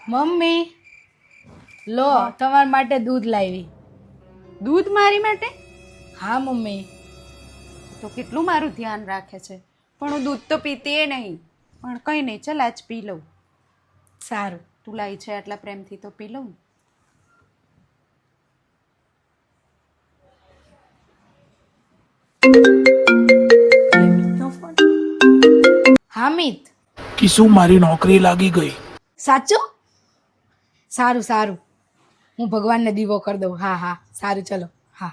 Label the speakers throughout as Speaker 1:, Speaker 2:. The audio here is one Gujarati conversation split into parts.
Speaker 1: મમ્મી લો તમારા માટે દૂધ લાવી.
Speaker 2: દૂધ મારી માટે?
Speaker 1: હા મમ્મી.
Speaker 2: તો કેટલું મારું ધ્યાન રાખે છે, પણ હું દૂધ તો પીતી એ નહીં. પણ કંઈ નહીં, ચાલ આજ પી લઉં.
Speaker 1: સારું.
Speaker 2: તું લાવી છે આટલા પ્રેમથી તો પી લઉં.
Speaker 1: હા મિત.
Speaker 3: કિસુ મારી નોકરી લાગી ગઈ.
Speaker 1: સાચું? સારું સારું, હું ભગવાનને દીવો કરી દઉં. હા હા સારું, ચલો. હા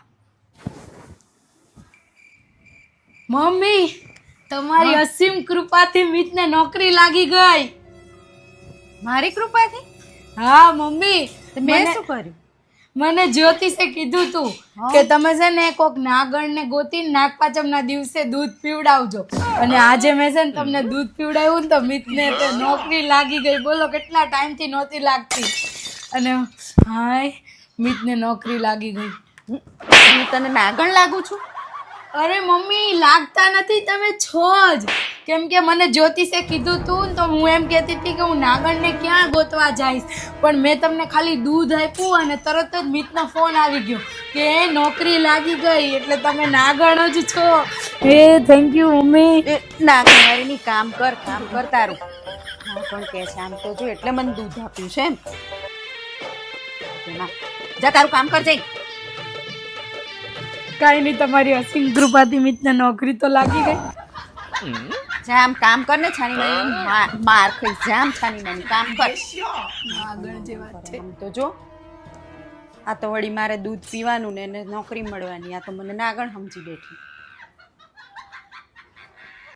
Speaker 1: મમ્મી, તમારી અસીમ કૃપાથી મિતને નોકરી લાગી ગઈ.
Speaker 2: મારી કૃપાથી?
Speaker 1: હા મમ્મી,
Speaker 2: તો મેં શું કર્યું?
Speaker 1: મને જ્યોતિષે કીધું તું કે તમે છે ને કોક નાગણને ગોતીને નાગપાંચમના દિવસે દૂધ પીવડાવજો, અને આજે મેં છે ને તમને દૂધ પીવડાવ્યું ને તો મિતને તો નોકરી લાગી ગઈ. બોલો કેટલા ટાઈમથી નહોતી લાગતી, અને હાય મિતને નોકરી લાગી ગઈ.
Speaker 2: હું તને નાગણ લાગુ છું?
Speaker 1: અરે મમ્મી, લાગતા નથી, તમે છો જ. કેમ કે મને જ્યોતિષે કીધું તું ને તો હું એમ કહેતી હતી કે હું નાગણને ક્યાં ગોતવા જઈશ, પણ મેં તમને ખાલી દૂધ આપ્યું અને તરત જ મિતનો ફોન આવી ગયો કે નોકરી લાગી ગઈ, એટલે તમે નાગણ જ છો. એ થેન્ક યુ મમ્મી.
Speaker 2: નાગણવાળીની કામ કર તારું. હા પણ કે છે આમ તો જો એટલે મને દૂધ આપ્યું છે એમ. જા તારું કામ કર જઈ.
Speaker 1: કાંઈ નહીં, તમારી અસીમ કૃપાથી મિતને નોકરી તો લાગી ગઈ.
Speaker 2: જા આમ કામ કર ને છાની માની માર ખાઈ. જા આમ છાની માની કામ કર.
Speaker 1: નાગણ જેવા છે.
Speaker 2: આમ તો જો આ તો વળી મારે દૂધ પીવાનું ને એને નોકરી મળવાની, આ તો મને નાગણ સમજી બેઠી.